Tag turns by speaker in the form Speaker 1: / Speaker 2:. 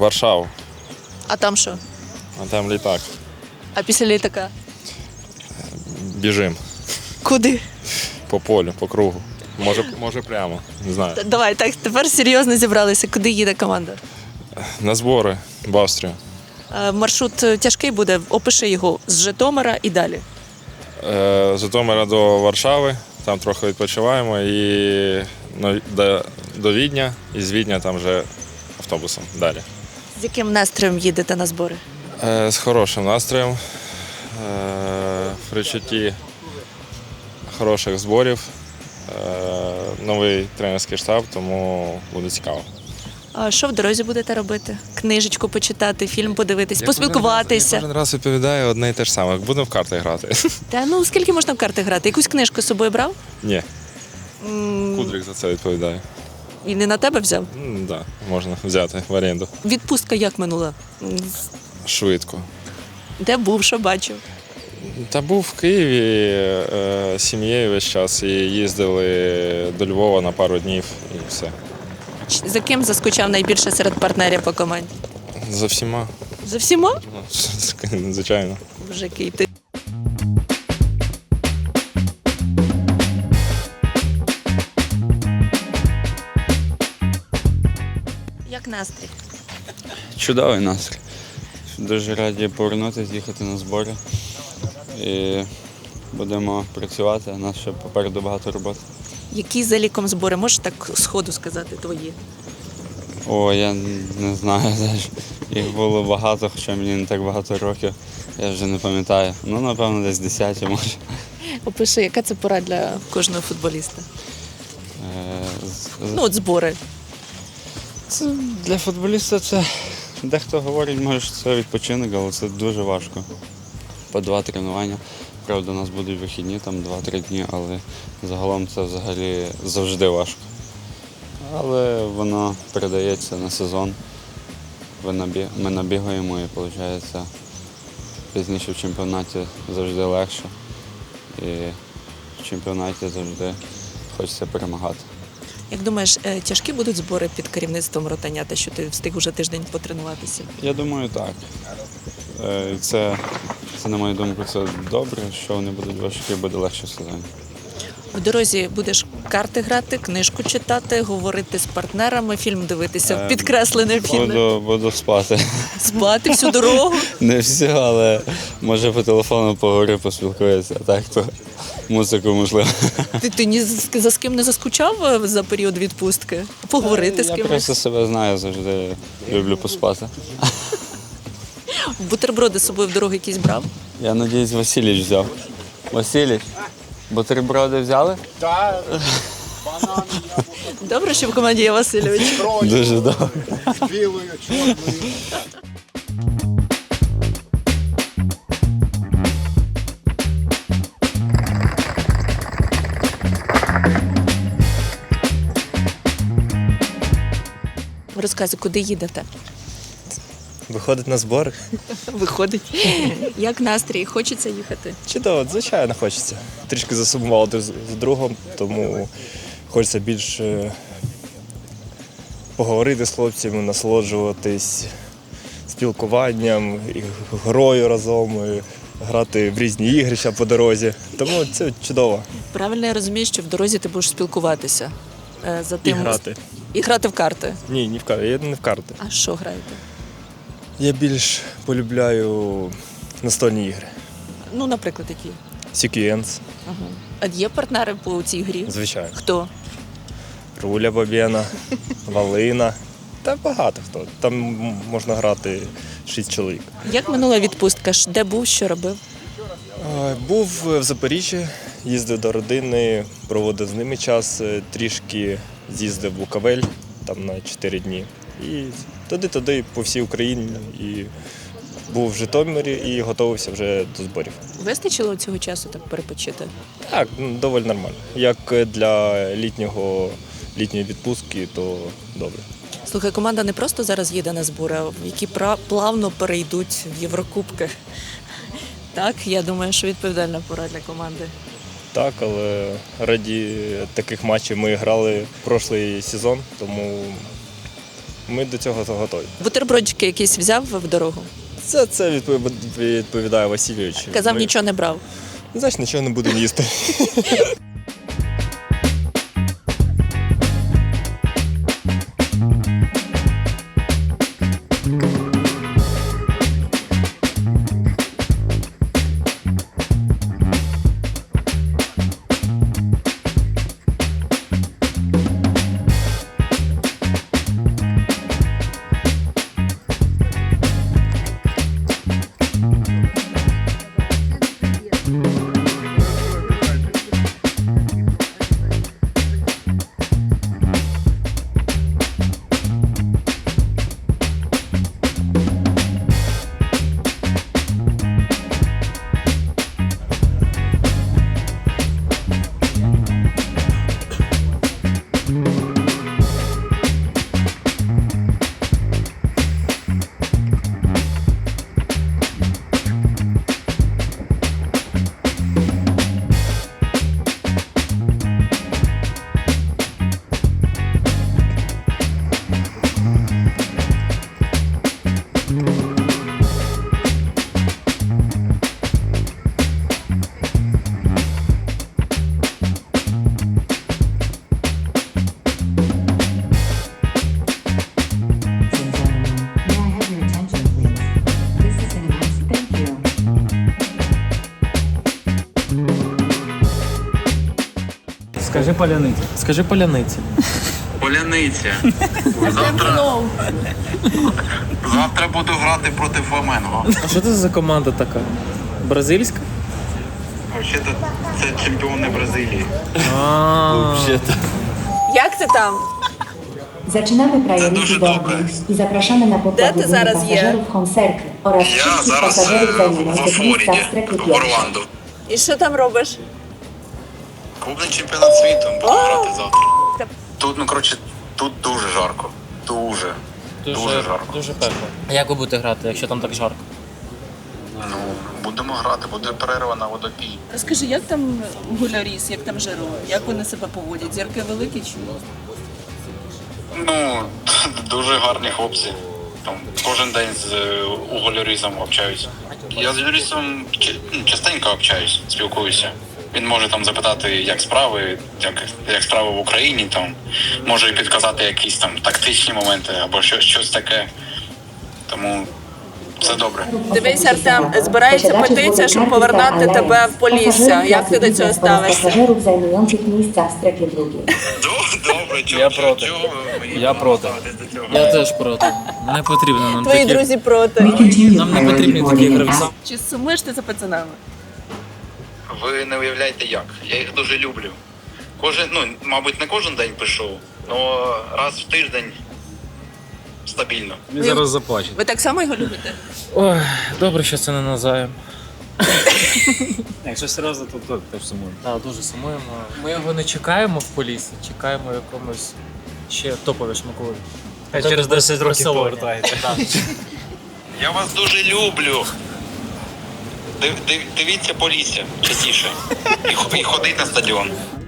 Speaker 1: Варшаву,
Speaker 2: А там що?
Speaker 1: а там літак.
Speaker 2: А після літака?
Speaker 1: Біжим
Speaker 2: Куди?
Speaker 1: по полю, по кругу. Може прямо, не знаю.
Speaker 2: Давай, так, тепер серйозно зібралися. Куди їде команда?
Speaker 1: На збори в Австрію.
Speaker 2: Маршрут тяжкий буде, опиши його з Житомира і далі.
Speaker 1: З Житомира до Варшави, там трохи відпочиваємо і до Відня, і з Відня там вже автобусом далі.
Speaker 2: З яким настроєм їдете на збори?
Speaker 1: З хорошим настроєм, в відчутті хороших зборів, новий тренерський штаб, тому буде цікаво.
Speaker 2: А що в дорозі будете робити? Книжечку почитати, фільм подивитись, поспілкуватися?
Speaker 1: Я кожен раз відповідаю одне і те ж саме. Будемо в карти грати.
Speaker 2: Та ну скільки можна в карти грати? Якусь книжку з собою брав?
Speaker 1: Ні. Кудрик за це відповідає.
Speaker 2: І не на тебе взяв?
Speaker 1: Так, можна взяти в оренду.
Speaker 2: Відпустка як минула?
Speaker 1: Швидко.
Speaker 2: Де був, що бачив?
Speaker 1: Та був в Києві з сім'єю весь час і їздили до Львова на пару днів і все.
Speaker 2: За ким заскучав найбільше серед партнерів по команді?
Speaker 1: За всіма.
Speaker 2: За всіма?
Speaker 1: Ну, звичайно.
Speaker 2: Боже, який ти. Як настрій?
Speaker 3: Чудовий настрій. Дуже раді повернутися, їхати на збори. І будемо працювати, у нас ще попереду багато роботи.
Speaker 2: Які за ліком збори? Можеш так сходу сказати твої?
Speaker 3: О, я не знаю, їх було багато, хоча мені не так багато років, я вже не пам'ятаю. Ну, напевно, десь 10 може.
Speaker 2: Опиши, яка це пора для кожного футболіста?
Speaker 3: З-
Speaker 2: Ну, от збори.
Speaker 3: Це для футболіста це дехто говорить, може, що це відпочинок, але це дуже важко. По 2 тренування. Правда, у нас будуть вихідні, там 2-3 дні, але загалом це взагалі завжди важко. Але воно передається на сезон. Ми набігаємо і виходить, пізніше в чемпіонаті завжди легше. І в чемпіонаті завжди хочеться перемагати.
Speaker 2: Як думаєш, тяжкі будуть збори під керівництвом Ротанята, що ти встиг уже тиждень потренуватися?
Speaker 3: Я думаю, так. Це, на мою думку, це добре, що вони будуть важкі, буде легше в сезоні.
Speaker 2: В дорозі будеш карти грати, книжку читати, говорити з партнерами, фільм дивитися, підкреслене фільм.
Speaker 3: Буду спати.
Speaker 2: Спати всю дорогу.
Speaker 3: Не все, але може по телефону поговорю, поспілкуюся, а так то музику можливо.
Speaker 2: Ти ні за з ким не заскучав за період відпустки? Поговорити з
Speaker 3: Я
Speaker 2: кимось?
Speaker 3: просто себе знаю, завжди люблю поспати.
Speaker 2: Бутерброди з собою в дорогу якісь брав?
Speaker 3: Я сподіваюся, Василіч взяв. Василіч, бутерброди взяли?
Speaker 2: Добре, що в команді є Васильович.
Speaker 3: Дуже добре.
Speaker 4: Білою, чорною.
Speaker 2: Розказуй, куди їдете?
Speaker 5: Виходить на збори.
Speaker 2: Виходить. Як настрій? Хочеться їхати?
Speaker 5: Чудово, звичайно, хочеться. Трішки засумували з другом, тому хочеться більше поговорити з хлопцями, насолоджуватись спілкуванням, і грою разом, і грати в різні ігрища по дорозі. Тому це чудово.
Speaker 2: Правильно я розумію, що в дорозі ти будеш спілкуватися за
Speaker 5: І
Speaker 2: тим.
Speaker 5: грати.
Speaker 2: І грати в карти.
Speaker 5: Ні, не в карти. Я не в карти.
Speaker 2: А що граєте?
Speaker 5: Я більш полюбляю настольні ігри.
Speaker 2: Ну, наприклад, які?
Speaker 5: Сіквенс,
Speaker 2: Ага. А є партнери по цій грі?
Speaker 5: звичайно.
Speaker 2: Хто?
Speaker 5: Руля Бабєна, Валина. Та багато хто. Там можна грати 6 чоловік.
Speaker 2: Як минула відпустка? Де був, що робив?
Speaker 5: Був в Запоріжжі, їздив до родини, проводив з ними час, трішки з'їздив в Буковель там на 4 дні. І туди по всій Україні. І був в Житомирі і готувався вже до зборів.
Speaker 2: Вистачило цього часу так перепочити?
Speaker 5: Так, доволі нормально. Як для літньої відпустки, то добре.
Speaker 2: Слухай, команда не просто зараз їде на збори, а які плавно перейдуть в Єврокубки. Так, я думаю, що відповідальна пора для команди.
Speaker 5: Так, але раді таких матчів ми грали прошлий сезон, тому ми до цього готові.
Speaker 2: Бутербродчики якісь взяв в дорогу?
Speaker 5: Це відповідає Васильович.
Speaker 2: Казав,
Speaker 5: Ми,
Speaker 2: нічого не брав.
Speaker 5: Значить, нічого не будемо їсти.
Speaker 6: May I have your attention, please? This is an announcement. Thank you.
Speaker 7: Скажи поляниця. Скажи поляниця.
Speaker 8: Поляниця. Завтра буду грати проти Фламенго.
Speaker 7: А що це за команда така? Бразильська?
Speaker 8: Взагалі, це чемпіони Бразилії.
Speaker 2: Як ти там?
Speaker 6: Zaczynamy priority
Speaker 8: дуже
Speaker 6: boarding
Speaker 8: добре.
Speaker 6: i zapraszamy na pokład
Speaker 2: ty zaraz je?
Speaker 6: pasażerów Home Circle oraz
Speaker 8: Я
Speaker 6: wszystkich
Speaker 8: зараз
Speaker 6: pasażerów
Speaker 8: в
Speaker 6: zajmujących miejsca
Speaker 8: Флориді,
Speaker 6: w strefie
Speaker 8: в
Speaker 6: pierwszej.
Speaker 8: Орландо.
Speaker 2: І що там робиш?
Speaker 8: Клубний чемпіонат світу, буду грати завтра. Тут, коротше, тут дуже жарко. Дуже жарко.
Speaker 7: Дуже пекло. А як ви будете грати, якщо там так жарко?
Speaker 8: Ну, будемо грати, буде перерва на водопій.
Speaker 2: Розкажи, як там гуляріс, як там Жиро? Як вони себе поводять? Зірки великі чи ні?
Speaker 8: Ну, дуже гарні хлопці. Там кожен день з Уголярізом общаюсь. Я з Юрісом частенько общаюсь, спілкуюся. Він може там запитати, як справи, як справи в Україні, там може і підказати якісь там тактичні моменти або щось таке. Тому все добре.
Speaker 2: Дивись, Артем, збирається петиція, щоб повернути тебе в Полісся. Як ти до цього ставишся?
Speaker 6: Pasażerów zajmujących miejsca w strefie drugiej.
Speaker 8: Добре,
Speaker 7: Я проти. Я проти. Я теж проти. Не потрібно нам
Speaker 2: Твої
Speaker 7: такі.
Speaker 2: друзі проти.
Speaker 7: Нам не потрібні такі гравці.
Speaker 2: Чи сумуєш ти за пацанами?
Speaker 8: Ви не уявляєте як. Я їх дуже люблю. Мабуть, не кожен день пишу, але раз в тиждень стабільно.
Speaker 7: Він зараз заплаче.
Speaker 2: Ви так само його любите?
Speaker 7: Ой, добре, що це не назаєм.
Speaker 9: Якщо серйозно, то теж сумуємо.
Speaker 7: Так, дуже сумуємо. Ми його не чекаємо в Поліссі, чекаємо в якомусь ще топовішому клубі.
Speaker 9: Хай через 10 років
Speaker 7: Барселоні.
Speaker 9: повертаєте.
Speaker 7: Так.
Speaker 8: Я вас дуже люблю. Дивіться Полісся частіше. І ходіть на стадіон.